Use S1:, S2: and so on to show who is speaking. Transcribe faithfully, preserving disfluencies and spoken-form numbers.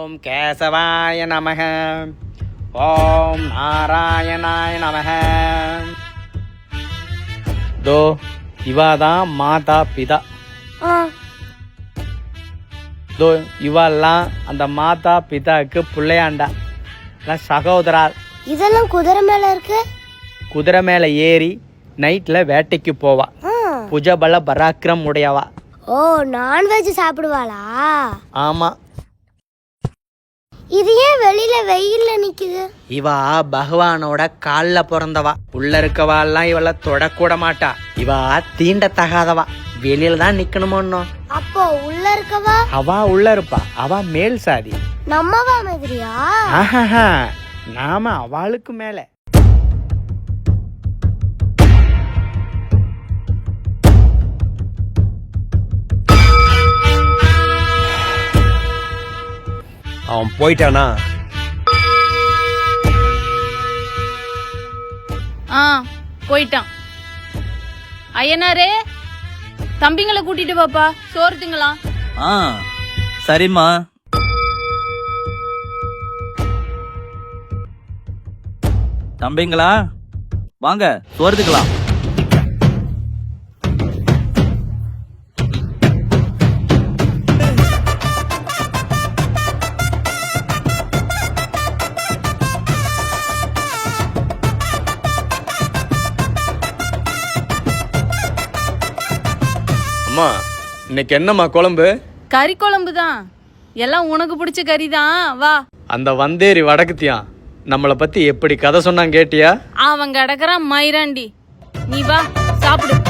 S1: ஓம் கேசவாய நமக. ஓம் நாராயணாய நமக. தோ இவாதான் மாதா பிதா. தோ இவெல்லாம் அந்த மாதா பிதாக்கு பிள்ளையாண்டா, சகோதரா.
S2: இதெல்லாம் குதிரை மேல இருக்கு.
S1: குதிரை மேல ஏறி நைட்ல வேட்டைக்கு போவா. புஜபல பராக்கிரம் உடையவா.
S2: ஓ, நான்வெஜ் சாப்பிடுவாளா?
S1: ஆமா.
S2: இது ஏன் வெளியில வெயில்ல நிக்குது?
S1: இவா பகவானோட கால்ல பிறந்தவா. உள்ள இருக்கவாலாம் இவள தொடக்கூட மாட்டா. இவா தீண்டத்தகாதவா, வெளியில தான் நிக்கணுமோ.
S2: அப்போ உள்ள இருக்கவா?
S1: அவா உள்ள இருப்பா, அவா மேல் சாதி.
S2: நம்மவா மாதிரியா?
S1: ஆஹா, நாம அவளுக்கு மேல.
S3: அவன் போயிட்டானா?
S4: ஆ, போயிட்டான். ஐயனாரே, தம்பிங்களை கூட்டிட்டு பாப்பா, சோறு திங்கலாம்.
S5: ஆ சரிம்மா. தம்பிங்களா வாங்க, சோறு திங்கலாம்.
S3: அம்மா, இன்னைக்கு என்னம்மா குழம்பு?
S4: கறி குழம்பு தான். எல்லாம் உனக்கு பிடிச்ச கறி தான். வா.
S3: அந்த வந்தேரி வடக்குத்தியான் நம்மளை பத்தி எப்படி கதை சொன்னான் கேட்டியா?
S4: அவன் கிடக்குறான் மயிராண்டி. நீ வா, சாப்பிடு.